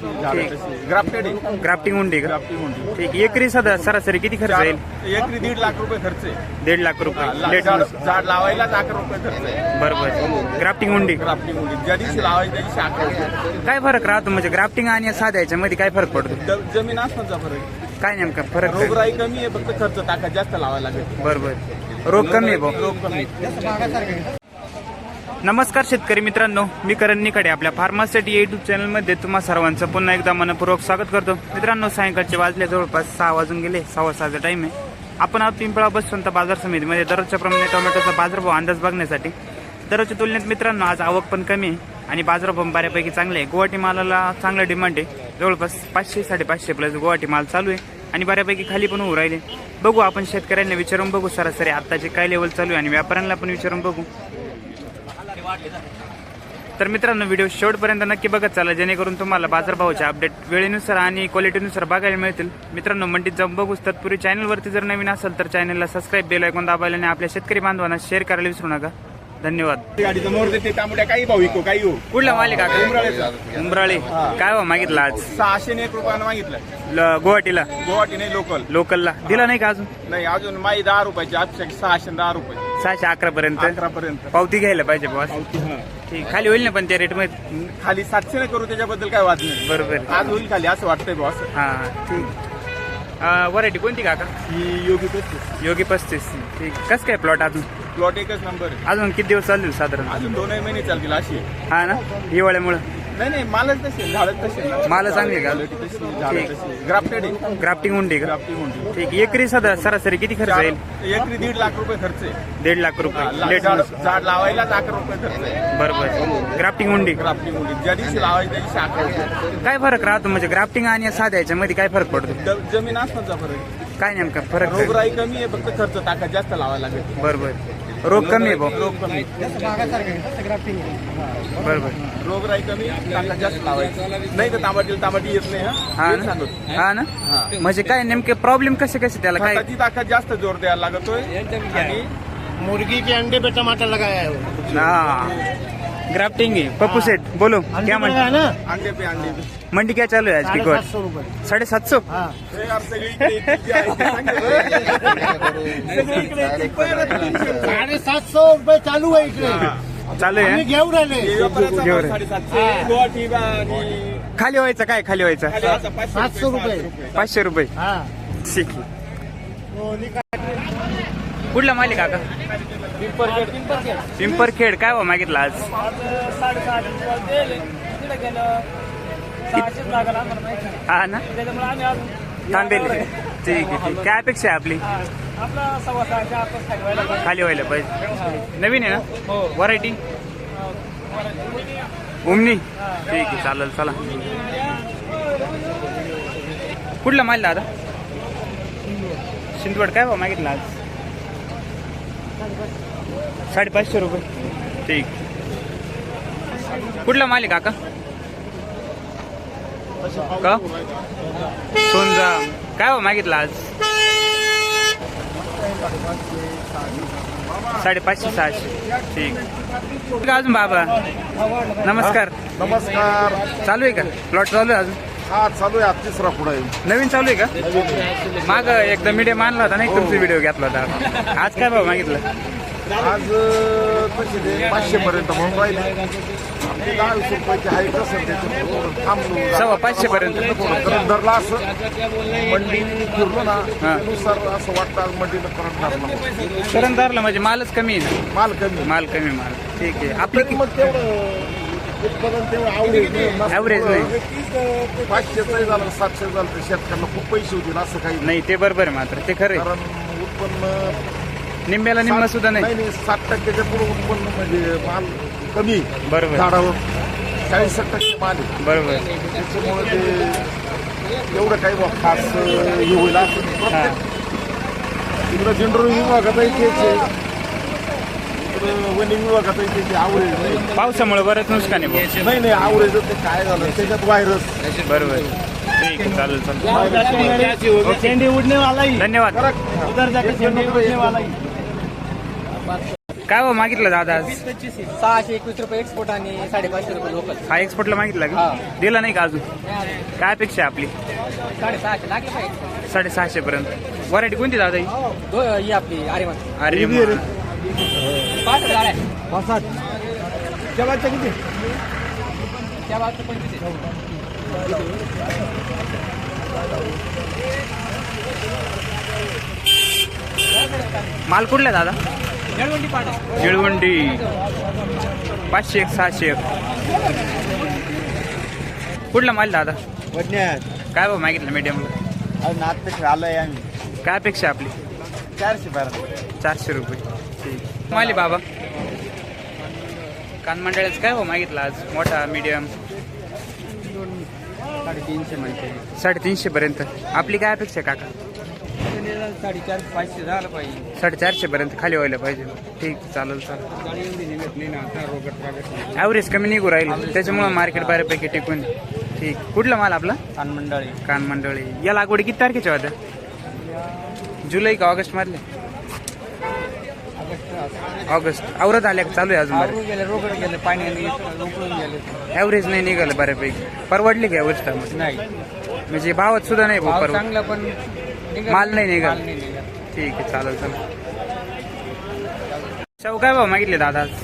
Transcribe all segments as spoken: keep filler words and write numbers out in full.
Grafted grafting उंडी का? Grafting उंडी ठीक. एकरी सदा सरासरी किती खर्च येईल? एकरी दीड लाख रुपये खर्च आहे. दीड लाख रुपये लेट झाड झाड लावायला अकरा रुपये खर्च आहे. बरोबर. ग्राफ्टिंग उंडी ग्राफ्टिंग उंडी ज्या दिवशी लावायची त्या दिवशी अकरा रुपये. काय फरक राहतो म्हणजे ग्राफ्टिंग आणि साध्या याच्यामध्ये काय फरक पडतो? ज- जमीन आसमानचा फरक आहे. काय नेमका फरक काय? रोगराई कमी आहे, फक्त खर्च टाका जास्त लावायला लागेल. बरोबर. रोग कमी आहे भाऊ. रोग कमी आहे. नमस्कार शेतकरी मित्रांनो, मी करण निकडे आपल्या फार्मासिटी युट्यूब चॅनलमध्ये तुम्हा सर्वांचं पुन्हा एकदा मनपूर्वक स्वागत करतो. मित्रांनो, सायंकाळचे वाजले जवळपास सहा वाजून गेले. सव्वा सहाचा टाइम आहे. आपण आज पिंपळा बसवंत बाजार समितीमध्ये दररोजच्या प्रमाणे टोमॅटोचा बाजारभाव अंदाज बघण्यासाठी दररोजच्या तुलनेत मित्रांनो आज आवक पण कमी आहे आणि बाजारभाव बऱ्यापैकी चांगले आहे. गुवाहाटी मालाला चांगला डिमांड आहे. जवळपास पाचशे साडेपाचशे प्लस गुवाहाटी माल चालू आहे आणि बऱ्यापैकी खाली पण उभं राहिले. बघू आपण शेतकऱ्यांना विचारून बघू सरासरी आत्ताचे काय लेवल चालू आहे आणि व्यापाऱ्यांना पण विचारून बघू. तर मित्रांनो, व्हिडिओ शेवटपर्यंत नक्की बघत चला, जेणेकरून तुम्हाला बाजारभावाचे अपडेट वेळेनुसार आणि क्वालिटीनुसार बघायला मिळतील. मित्रांनो, मंडीत जाऊन बघूच तत्पूर्वी चॅनलवरती जर नवीन असेल तर चॅनलला सबस्क्राईब बेल आयकॉन दाबायला आणि आपल्या शेतकरी बांधवांना शेअर करायला विसरू नका. धन्यवाद. गाडीचं मोर देते तांबड्या काही भाऊ विको काही हो. कुठला मालिक का? उमराळेचा. उमराळे. काय भाव मागितला आज? सहाशे एक रुपयानं मागितलं. ल- गुवाहाटीला गुवाहाटी नाही, लोकल लोकलला दिला नाही का अजून? नाही, अजून माई दहा रुपयाची अपेक्षा सहाशे दहा रुपये सहाशे अकरा पर्यंत अकरा पर्यंत पावती घ्यायला पाहिजे बॉस. ठीक, खाली होईल ना पण त्या रेट मध्ये? खाली सातशे नाही करू, त्याच्याबद्दल काय वाद नाही. बरोबर. आज होईल खाली असं वाटतंय बॉस. हा ठीक. व्हरायटी कोणती काका? ही योगी पस्तीस योगी पस्तीस. ठीक. कसं काय प्लॉट अजून? प्लॉट एकच नंबर आहे. अजून किती दिवस चालतील साधारण? अजून दोनही महिने चालतील अशी आहे. हा ना, हिवाळ्यामुळे नाही नाही, मालच तसे झाडच तसे माल चांगली का? झाडं तशी ग्राफ्टेड आहे. ग्राफ्टिंग उंडी का? ग्राफ्टिंग उंडी ठीक. एकरी सदा सरासरी किती खर्च येईल? एकरी दीड लाख रुपये खर्च आहे. दीड लाख रुपये लेट झाड झाड लावायला अकरा रुपये खर्च आहे. बरोबर. ग्राफ्टिंग उंडी. ग्राफ्टिंग उंडी ज्या दिवशी लावायची त्या दिवशी अकरा रुपये. काय फरक राहतो म्हणजे ग्राफ्टिंग आणि साध्या याच्यामध्ये काय फरक पडतो? ज- जमीन आसमानचा फरक आहे. काय नेमका फरक काय? रोगराई कमी आहे, फक्त खर्च टाका जास्त लावायला लागेल. बरोबर. रोग कमी आहे भाऊ. रोग कमी बरोबर. रोगराई कमी टाका जास्त लावायची. नाही तर तांबाटी तांबाटी येत नाही. हा हा ना? सांगतो. हा ना, म्हणजे काय नेमके प्रॉब्लेम कसे कसे त्याला काय? खताची ताकद जास्त जोर द्यायला लागतोय आणि मुर्गी के अंडे पे टमाटर लगाया है वो। हाँ ग्राफ्टिंग है। पप्पू सेठ बोलो अंडे क्या पे लगाया मंडी? ना अंडे पे अंडे मंडी क्या चालू है आज की? साढ़े गोट सात सौ रुपए। साढ़े सात सौ हाँ हे यार सगळीकडे इतकी आहे. सगळीकडे इतकी आहे. साढ़े सात सौ रुपए चालू है इकडे चालू आम्ही आहे. घेऊ राहिले हे व्यापाऱ्याचा घेऊ भाव रे. साडेसातशे, गुवाहाटी बा आणि खाली व्हायचं काय? खाली व्हायचं खाली आता पाचशे सातशे रुपये. पाचशे रुपये. हाँ ठीक आहे. कुठला मालिक काका? पिंपरखेड. काय भाव मागितला आज? हा ना, थांबेल. ठीक आहे. ठीक. काय अपेक्षा आहे आपली? खाली व्हायला पाहिजे. नवीन आहे ना व्हरायटी? उमनी. ठीक आहे, चालेल. चला. कुठला माल दादा? शिंदवड. काय भाव मागितला आज? साडेपाचशे रुपये. ठीक. कुठला माल आहे काका? का सोनजा. काय भाव मागितला आज? साडेपाचशे सहाशे. ठीक. अजून बाबा नमस्कार. नमस्कार. चालू आहे का प्लॉट? चालू आहे अजून? हा चालू आहे. आज तिसरा पुढे नवीन चालू आहे का? माग एकदा मीडियम आणला होता नाही, तुमचा व्हिडिओ घेतला होता. आज काय भाव मागितलं? आज कसे ते पाचशे पर्यंत म्हणून राहिले. आपली दहा वीस रुपयाची आहे कसं त्याच्यात थांबलो. सव्वा पाचशे पर्यंत. करंट धरला असं मंडी फिरलो ना हा. त्यानुसार असं वाटतं आज मंडीला करंट धरला. करण धरला म्हणजे मालच कमी आहे ना? माल कमी माल कमी माल. ठीक आहे. आपली तरी मग तेवढं उत्पादन तेवढं आवडेल Average नाही. पाचशेचं झालं सातशे झालं तर शेतकऱ्यांना खूप पैसे होतील असं काही नाही. नाही, ते बरोबर आहे मात्र. ते खरं आहे. कारण उत्पन्न निम्म्याला निम्मा सुद्धा नाही. नाही साठ टक्क्याच्या पुढे उत्पन्न म्हणजे माल कमी बरोबर. झाडावर चाळीस टक्के माल आहे. बरोबर. त्याच्यामुळे ते एवढं काही बा खास हे होईल असं प्रत्येक तिकडं जनरल विभागातही तेच आहे, इकडं वन विभागातही त्याची आवरेज नाही. पावसामुळे बरंच नुकसान आहे भाऊ. नाही नाही आवरेज ते काय झालं त्याच्यात व्हायरस. बरोबर. ठीक आहे, चालेल चालेल. चेंडी उड़ने वाला ही धन्यवाद. उधर जाके चेंडी उड़ने वाला ही काय भाव मागितलं दादा आज? सहाशे एकवीस रुपये एक्सपोर्ट आणि साडेपाचशे रुपये लोकल. हा एक्सपोर्टला मागितला का? हा. दिला नाही का अजून? काय अपेक्षा आहे आपली? साडेसहाशे लागले पाहिजे. साडेसहाशे पर्यंत. व्हरायटी कोणती दादा ही? दो ही आपली आर्यमान अरे पाच हजार आहे. क्या बात किती त्या बाबतीत पंचवीस आहे. माल कुठला दादा? निळवंडी पाट आहे. निळवंडी. पाचशे एक सहाशे एक. कुठला माल दादा? वडण्यात काय भाव मागितलं मीडियमला? अजून आतपेक्षा आलोय आम्ही. काय अपेक्षा आपली? चारशे बारा. चारशे रुपये. ठीक. माली बाबा कान मंडळाचं काय भाव मागितला आज? मोठा मीडियम साडेतीनशे म्हणते. साडेतीनशे पर्यंत. आपली काय अपेक्षा आहे काका? साडेचार पाचशे झालं पाहिजे. साडेचारशे पर्यंत खाली व्हायला पाहिजे. ठीक चालेल चालेल. गाडी एवढी निघत नाही ना आता रोगट ॲव्हरेज कमी निघू राहील त्याच्यामुळे मार्केट बऱ्यापैकी टिकून. ठीक. कुठला माल आपला? कान मंडळी. कान मंडळी. या लागवडी किती तारखेच्या होत्या? जुलै का ऑगस्ट मधले? ऑगस्ट. आवरत आल्या का? चालू आहे अजून? आवरून गेले रोगट गेले पाण्याने उकळून गेले. ॲव्हरेज नाही निघालं बऱ्यापैकी. परवडली का ॲव्हरेज टाइम? नाही म्हणजे भावात सुद्धा नाही भाऊ भाव परवड. चांगला पण निघत माल नाही निघत. माल नाही निघत. ठीक आहे चालेल चालेल. शाहू काय भाव मागितले दादा आज?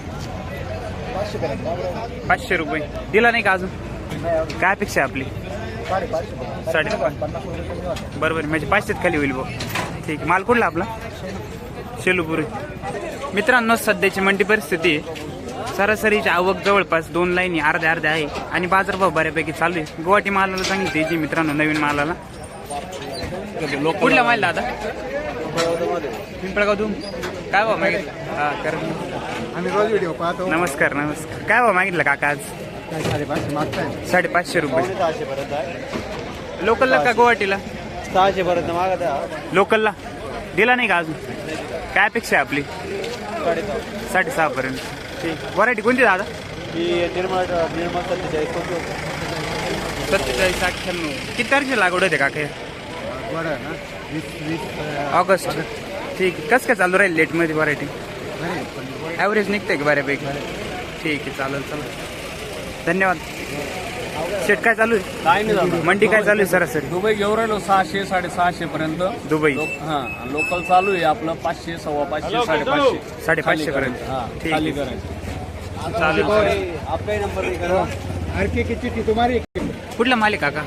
पाचशे रुपये. दिला नाही का अजून? काय अपेक्षा आहे आपली? साडेपाच. बरोबर म्हणजे पाचशेच खाली होईल भाऊ. ठीक आहे. माल कुठला आपला? शेलूपुरी. मित्रांनो सध्याची मंडी परिस्थिती आहे. सरासरीची आवक जवळपास दोन लाईनी अर्ध्या अर्ध्या आहे आणि बाजारभाव बऱ्यापैकी चालू आहे. गुवाहाटी मालाला सांगितली जी मित्रांनो नवीन मालाला. कुठला माल दादा? पिंपळगाव धूम. काय भाव मागितलं? हा कर. आम्ही रोज व्हिडिओ पाहतो. नमस्कार नमस्कार. काय भाव मागितलं काका आज? काय साडेपाचशे मागताय. साडेपाचशे रुपये. सहाशे पर्यंत आहे. लोकलला का गुवाहाटीला? सहाशे पर्यंत मागत आहे. लोकलला. दिला नाही का अजून? काय अपेक्षा आहे आपली? साडेसहा पर्यंत. ठीक. व्हरायटी कोणती दादा? ही निर्मळ निर्मळ सत्तेचाळीस सत्तेचाळीस अठ्ठ्याण्णव. किती तारखेला लागवड होते काका? बरं ना वीस वीस ऑगस्ट. ठीक आहे. कसं काय चालू राहील लेटमध्ये व्हरायटी? ॲव्हरेज निघते का बऱ्यापैकी? ठीक आहे चालेल चालेल. धन्यवाद. शेट काय चालू आहे? काय नाही झालं. मंडी काय चालू आहे सरासरी? दुबई घेऊन राहिलो सहाशे साडेसहाशे पर्यंत. दुबई. हा लोकल चालू आहे आपलं पाचशे सव्वा पाचशे साडेपाचशे साडेपाचशे पर्यंत. हा ठीक खाली आहे करायचं. चालेल. आपका नंबर आरके की चिठ्ठी तुम्हारी. कुठला माल आहे काका?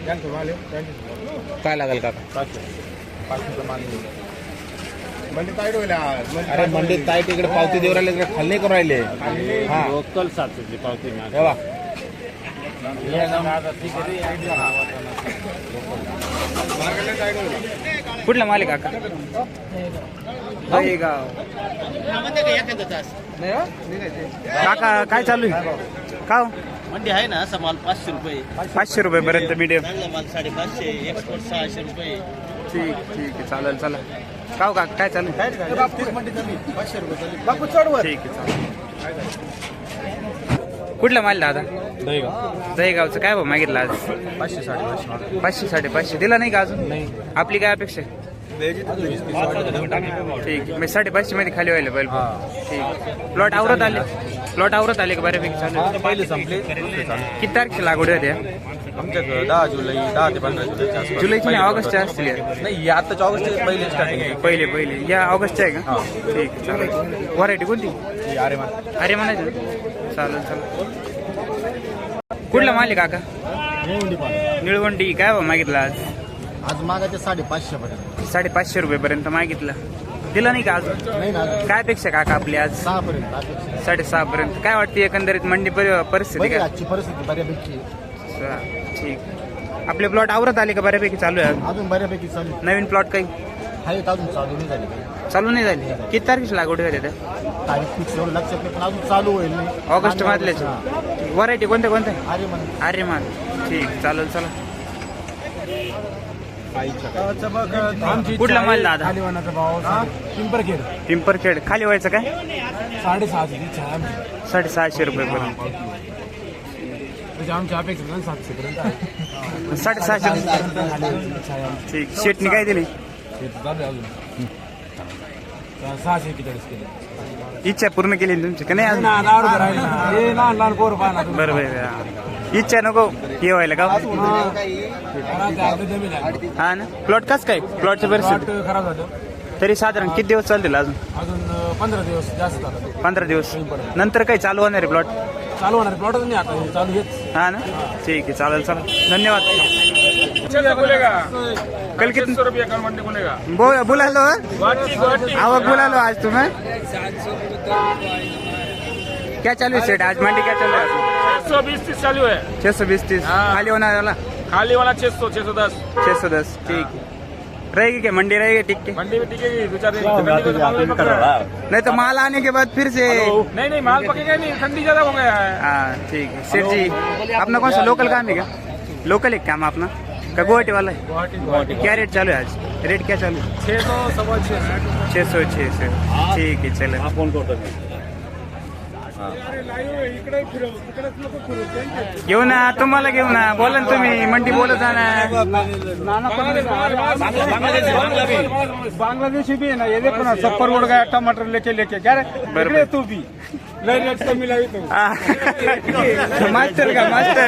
काय लागेल काका? अरे मंडीत ताई तिकडे पावती देऊ राहिले तिकडे खाल्ले करून राहिले. हा लोकल सातशे पावती तेव्हा कुठला माल आहे काका? गाव. काका काय चालू आहे? का हो? मंडी आहे ना असा माल पाचशे रुपये. पाचशे रुपये पर्यंत मीडियम. चांगला माल साडेपाचशे एक्सपोर्ट सहाशे रुपये. ठीक ठीक आहे चालेल चला. का हो काका काय चालू आहे? मंडी कमी पाचशे रुपये बापू चढवर. ठीक आहे चालेल. कुठला माल दादा? दहीगावचं. काय भाव मागितलं आज? पाचशे साडेपाचशे. पाचशे साडेपाचशे. दिला नाही का अजून? आपली काय अपेक्षा आहे? ठीक आहे. मी साडेपाचशे मध्ये खाली व्हायला पाहिजे. ठीक. प्लॉट आवरत आले? प्लॉट आवरत आले का बऱ्यापैकी चालू? पहिले संपले. किती तारखेला लागवड होत्या? आमच्याकडे दहा जुलै दहा ते पंधरा जुलैच्या आसपास. जुलैची नाही ऑगस्टच्या असतील या. नाही आताच्या ऑगस्ट पहिले स्टार्टिंग. पहिले पहिले या ऑगस्टच्या आहे का? ठीक आहे चालेल. व्हरायटी कोणती? अरे मान अरे म्हणायचं. चालेल चालेल. कुठला माल आहे काका? निळवंडी. काय भाव मागितला आज? आज मागायचे साडेपाचशे पर्यंत. साडेपाचशे रुपये पर्यंत मागितलं. दिला नाही का अजून? नाही ना काय अपेक्षा काका आपली आज? सहा पर्यंत. साडेसहा पर्यंत. काय वाटते एकंदरीत मंडी परि- परिस्थिती बरी काय? आजची परिस्थिती बऱ्यापैकी. चा- ठीक. आपले प्लॉट आवरत आले का बऱ्यापैकी चालू आहे? अजून बऱ्यापैकी चालू नवीन प्लॉट काही आहेत. अजून चालू नाही झाली काही. चालू नाही झाली? किती तारखेची लागवड होते त्या? तारीख फिक्स एवढं लक्षात नाही पण अजून चालू होईल नाही. ऑगस्ट मधल्याच. व्हरायटी कोणत्या कोणत्या? अरे म्हण अरे मान. ठीक चालेल चला. कुठला माल दादा? पिंपरखेड पिंपरखेड. खाली व्हायचं काय? साडेसहाशे साडेसहाशे रुपये पर्यंत. आमच्या अपेक्षा सातशे पर्यंत. साडेसहाशे. ठीक. शेटनी काय दिली? सहाशे एक्केचाळीस केले. इच्छा पूर्ण केली ना तुमची का नाही अजून? ना दहा रुपये राहिले ना. हे लहान लहान पोरं पाहा ना. बरोबर आहे. इच्छा नको हे व्हायला का हा ना. प्लॉट कस काय प्लॉटची परिस्थिती प्लॉट खराब झालं. तरी साधारण किती दिवस चालतील अजून? अजून अं, पंधरा दिवस जास्त झालं. पंधरा दिवस नंतर काही चालू होणार आहे प्लॉट? चालू होणार प्लॉटच नाही आता हे चालू हेच. हा ना. ठीक आहे चालेल चालेल धन्यवाद. कल कितने सौ रुपये कल मंडी बोलेगा बो- बुला लो गुवाहाटी गुवाहाटी आवक बुला लो आज तुम्हें. क्या चालू है सेठ आज मंडी क्या चल रहा है? छह सौ बीस तीस चालू है छह सौ बीस तीस हाँ। खाली होने वाला खाली वाला छह सौ छह सौ दस छह सौ दस ठीक है. रहेगी क्या मंडी रहेगी ठीक के? मंडी में टिकेगी दो चार दिन मंडी को तो माल नहीं पक रहा है। नहीं तो माल आने के बाद फिर से नहीं नहीं माल पकेगा नहीं ठंडी ज्यादा हो गया है। हाँ ठीक है. सेठ जी अपना कौन सा लोकल काम है क्या? लोकल है काम अपना का गुवाहाटी वाला है? गुवाहाटी क्या रेट चालू है आज? रेट क्या चालू है? छह सौ सवा छह सौ छह सौ छह सौ ठीक है चलो. फोन करतो घेऊ ना तुम्हाला घेऊ ना बोला ना तुम्ही मंडी बोलत जा ना. बांग्लादेशी भी है ना ये देखो ना सब उड़ गया टमाटर लेके लेके क्या रे बरोबर. तू भी लय रेट कमी लावी तू हा. मास्टर का मास्टर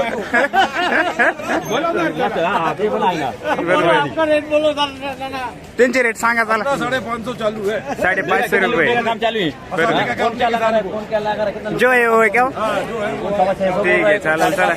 बरोबर. त्यांचे रेट सांगा चला. साढ़े पाँच सौ चालू है साडे पाचशे रुपये चालू आहे. बरोबर. जो आहे वो है क्या हो? ठीक आहे चालेल चला.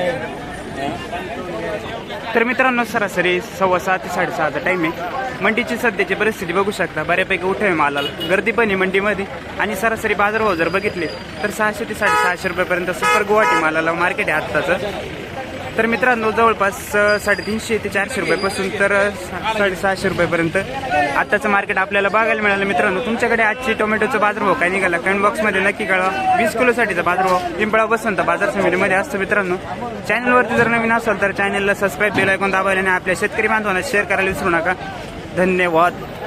तर मित्रांनो सरासरी सव्वा सहा ते साडेसहाचा टाइम आहे. मंडीची सध्याची परिस्थिती बघू शकता बऱ्यापैकी उठावे मालाला गर्दी पण आहे मंडीमध्ये आणि सरासरी बाजारभाव जर बघितले तर सहाशे ते साडेसहाशे रुपयेपर्यंत सुपर गुवाहाटी मालाला मार्केट आहे आत्ताचं. तर मित्रांनो जवळपास अ, साडेतीनशे ते चारशे रुपयापासून तर अ, सा- साडेसहाशे रुपयेपर्यंत आत्ताचं मार्केट आपल्याला बघायला मिळालं. मित्रांनो तुमच्याकडे आजची टोमॅटोचा बाजारभाव काय निघाला कमेंट बॉक्समध्ये नक्की कळवा. वीस किलोसाठीचा बाजारभाव पिंपळा बसंत बाजार समितीमध्ये असतो. मित्रांनो चॅनलवरती जर नवीन असाल तर चॅनलला सबस्क्राईब बेल ऐकून दाबायला आणि आपल्या शेतकरी बांधवांना शेअर करायला विसरू नका. धन्यवाद.